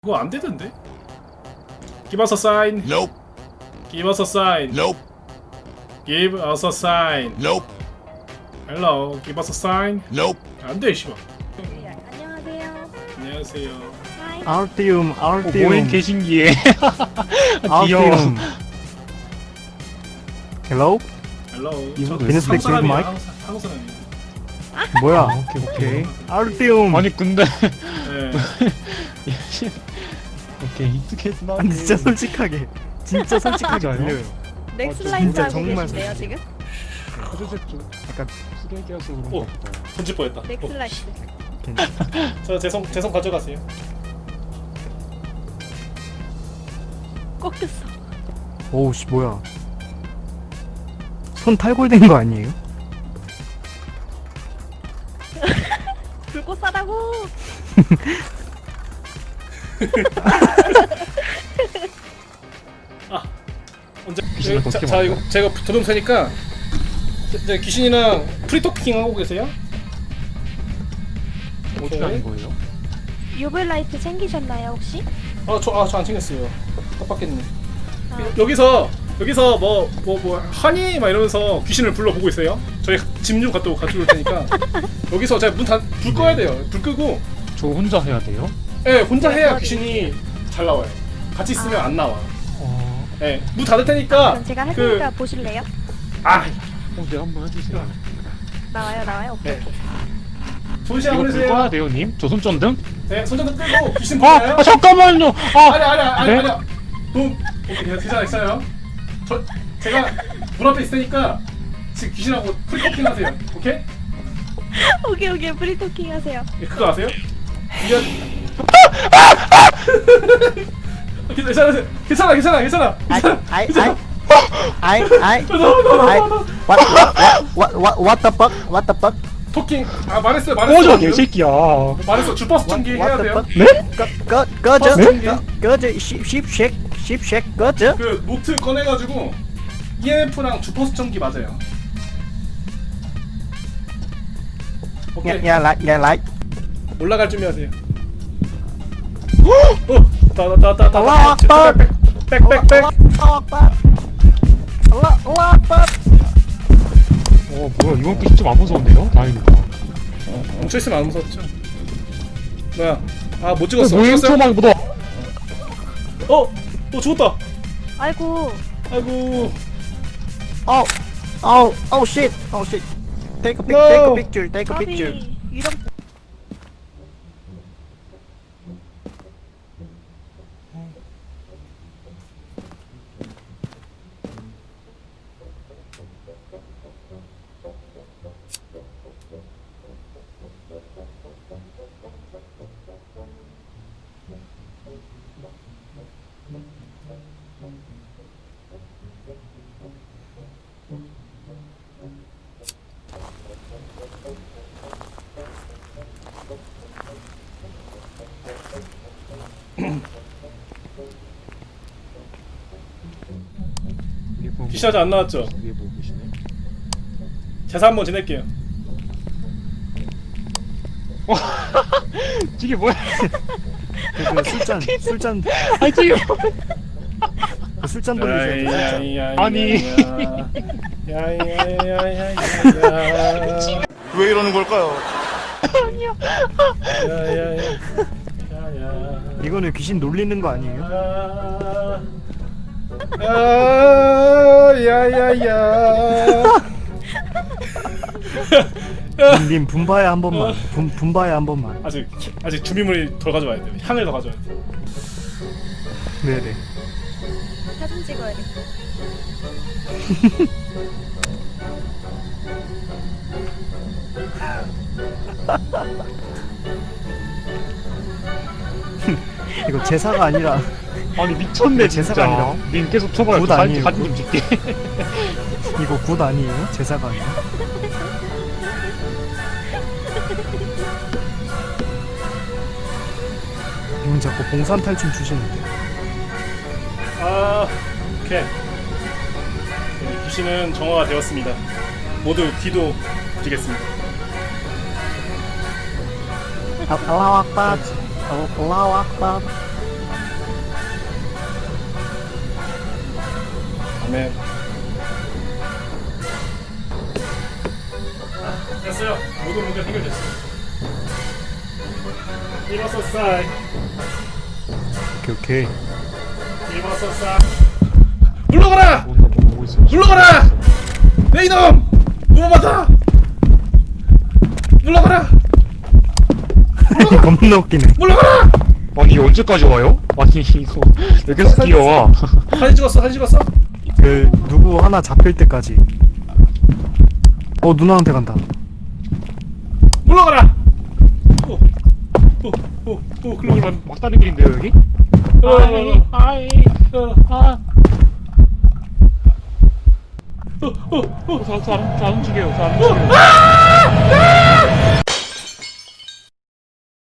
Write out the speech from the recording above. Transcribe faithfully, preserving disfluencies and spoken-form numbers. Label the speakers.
Speaker 1: 그거 안 되던데? Give us a sign.
Speaker 2: Nope.
Speaker 1: Give us a sign.
Speaker 2: Nope.
Speaker 1: Give us a sign.
Speaker 2: Nope.
Speaker 1: Hello. Give us a sign.
Speaker 2: Nope.
Speaker 1: 안 돼, 씨발.
Speaker 3: 네, 안녕하세요.
Speaker 1: 안녕하세요.
Speaker 3: 하이.
Speaker 4: 아울티움 아울티움
Speaker 5: 모인 개신기에 귀여워.
Speaker 4: 아울티움 헬로?
Speaker 1: Hello.
Speaker 4: 이분
Speaker 1: 저
Speaker 4: can you speak
Speaker 1: 한국 사람이에요.
Speaker 4: English?
Speaker 1: 한국 사- 한국 사람이에요.
Speaker 4: 뭐야
Speaker 5: 아, 오케이 오케이.
Speaker 4: 아울티움
Speaker 5: 아니 근데
Speaker 1: 네.
Speaker 5: 오케이 익숙해지나?
Speaker 4: 아니 진짜 솔직하게 진짜 솔직하게
Speaker 5: 진짜요?
Speaker 4: 들려요
Speaker 3: 넥슬라이트
Speaker 4: 진짜
Speaker 3: 하고
Speaker 4: 정말
Speaker 3: 계신데요 지금?
Speaker 5: 그래서 좀
Speaker 4: 약간
Speaker 5: 쓰레기여서 그런
Speaker 1: 오.
Speaker 5: 거 같다.
Speaker 1: 던질 뻔했다.
Speaker 3: 넥슬라이트.
Speaker 4: 괜찮아
Speaker 1: 저 제성 제성 가져가세요.
Speaker 3: 꺾였어.
Speaker 4: 오우씨 뭐야 손 탈골된 거 아니에요?
Speaker 3: 불꽃 싸다고.
Speaker 1: 언제?
Speaker 5: 귀신을
Speaker 1: 자,
Speaker 5: 어떻게
Speaker 1: 자
Speaker 5: 만들어?
Speaker 1: 이거 제가 도둑 세니까 이제 귀신이랑 프리토킹 하고 계세요?
Speaker 5: 어떻게 하는 거예요?
Speaker 3: 유블라이트 챙기셨나요 혹시?
Speaker 1: 아저아저 안 챙겼어요. 깜빡했네.
Speaker 3: 아,
Speaker 1: 여기서 여기서 뭐 뭐 뭐 하니 막 이러면서 귀신을 불러보고 있어요. 저희 짐 좀 갖다 가지고 올 테니까 여기서 제가 문다불 꺼야 돼요. 불 끄고
Speaker 5: 저 혼자 해야 돼요?
Speaker 1: 예 혼자
Speaker 3: 네,
Speaker 1: 해야
Speaker 3: 도와드릴게요.
Speaker 1: 귀신이 잘 나와요. 같이 있으면
Speaker 3: 아.
Speaker 1: 안 나와.
Speaker 5: 어,
Speaker 1: 예 문 닫을 테니까
Speaker 3: 그럼 제가 할
Speaker 1: 그-
Speaker 3: 테니까 보실래요?
Speaker 1: 아
Speaker 5: 어, 네 한번 해주세요.
Speaker 3: 나와요 나와요. 오케이.
Speaker 1: 네. 좋은 시간
Speaker 5: 이거 불 꺼야
Speaker 1: 보내세요.
Speaker 5: 돼요, 님? 저 손전등?
Speaker 1: 네 손전등 끄고 귀신
Speaker 5: 아,
Speaker 1: 보나요?
Speaker 5: 아 잠깐만요. 아,
Speaker 1: 아니 아니 아니
Speaker 5: 네?
Speaker 1: 아니 돈 오케이 괜찮아 괜찮아요. 저 제가 문 앞에 있으니까 지금 귀신하고 프리토킹 하세요. 오케이?
Speaker 3: 오케이 오케이 프리토킹 하세요.
Speaker 1: 예, 그거 아세요? 이게 괜찮아 괜찮아 괜찮아 괜찮아
Speaker 4: 아이
Speaker 1: 괜찮아
Speaker 4: 아이
Speaker 1: 괜찮아.
Speaker 4: 아이 아이
Speaker 1: 나와 나와
Speaker 4: 아이
Speaker 1: 나와
Speaker 4: what what what what what the fuck what the fuck
Speaker 1: 토킹 아 말했어요
Speaker 5: 꺼져
Speaker 1: 말했어
Speaker 5: 개새끼야.
Speaker 1: 말했어 주파수 전기 해야
Speaker 4: what the
Speaker 1: 돼요.
Speaker 4: fuck
Speaker 5: 네?
Speaker 4: 꺼 꺼 꺼져
Speaker 1: 네?
Speaker 4: 꺼- 꺼져 십십 십십 꺼져
Speaker 1: 그 노트 꺼내가지고 이엠에프랑 주파수 전기 맞아요. 오케이
Speaker 4: 야야 라이 야 라이
Speaker 1: 올라갈 준비하세요. 어, 다다다다다.
Speaker 4: 알라후 악bar.
Speaker 1: 백백백.
Speaker 4: 알라후 악bar 알라후 악bar
Speaker 5: 어 뭐야 이번 게 좀 안 무서운데요? 다행이다.
Speaker 1: 멈춰 있으면 안 무섭죠. 뭐야? 아 못
Speaker 5: 어,
Speaker 1: 찍었어.
Speaker 5: 뭐야
Speaker 1: 찍었어요?
Speaker 5: 초만 묻어.
Speaker 1: 어, 어 죽었다.
Speaker 3: 아이고.
Speaker 1: 아이고.
Speaker 4: Oh, oh, oh shit, oh shit. Take a pic,
Speaker 1: No.
Speaker 4: take a picture, take a
Speaker 3: 까비.
Speaker 4: picture.
Speaker 3: 이런.
Speaker 1: 귀신 아직 안 나왔죠?
Speaker 5: 위에 보고 계시네.
Speaker 1: 제사 한번 지낼게요.
Speaker 5: 이게 뭐야?
Speaker 4: 그 술잔, 술잔,
Speaker 5: 아니 지금
Speaker 4: 그 술잔 돌리세요. 술잔.
Speaker 5: 아니.
Speaker 1: 야야야야야야.
Speaker 2: 왜 이러는 걸까요?
Speaker 1: 야야야. 야야.
Speaker 4: 이거는 귀신 놀리는 거 아니에요?
Speaker 1: 아, 야야야.
Speaker 4: 님 분바에 한 번만, 분 분바에 한 번만.
Speaker 1: 아직 아직 준비물이 더 가져와야 돼. 향을 더 가져와야 돼.
Speaker 4: 네네.
Speaker 3: 사진 찍어야 돼.
Speaker 4: 이거 제사가 아니라
Speaker 5: 아니 미쳤네
Speaker 4: 제사가
Speaker 5: 진짜.
Speaker 4: 아니라.
Speaker 5: 님 계속 쳐봐요.
Speaker 4: 굿
Speaker 5: 저 사진
Speaker 4: 아니에요,
Speaker 5: 사진
Speaker 4: 굿?
Speaker 5: 좀 찍게.
Speaker 4: 이거 굿 아니에요? 제사가 아니라. 이분 자꾸 봉산 탈춤 추시는데.
Speaker 1: 아, 오케이. 귀신은 정화가 되었습니다. 모두 기도 드리겠습니다.
Speaker 4: 알라후 악bar. 알라후 악bar.
Speaker 1: 아멘. 아, 됐어요. 모든 문제 해결됐어요. 일어서 싸이.
Speaker 5: 오케이 오케이.
Speaker 1: 일어서 싸. 물러가라.
Speaker 5: 뭔가 뭐 보고 있어.
Speaker 1: 물러가라. 내 이놈. 무모하다. 물러가라.
Speaker 4: 겁나 웃기네.
Speaker 1: 물러가라.
Speaker 5: 아니 이게 언제까지 와요? 아니 이거 왜 계속 뛰어와?
Speaker 1: 사진 찍었어. 사진 찍었어.
Speaker 4: 그 누구 하나 잡힐 때까지. 어 누나한테 간다.
Speaker 1: 물러가라. 오. 오. 오. 오. 글로
Speaker 5: 막, 막 다른 길인데요 여기?
Speaker 1: 어.
Speaker 5: 아이
Speaker 1: 어.
Speaker 5: 아
Speaker 1: 어. 어. 어.
Speaker 5: 저, 저, 안, 저안 움직여요 저 안 움직여요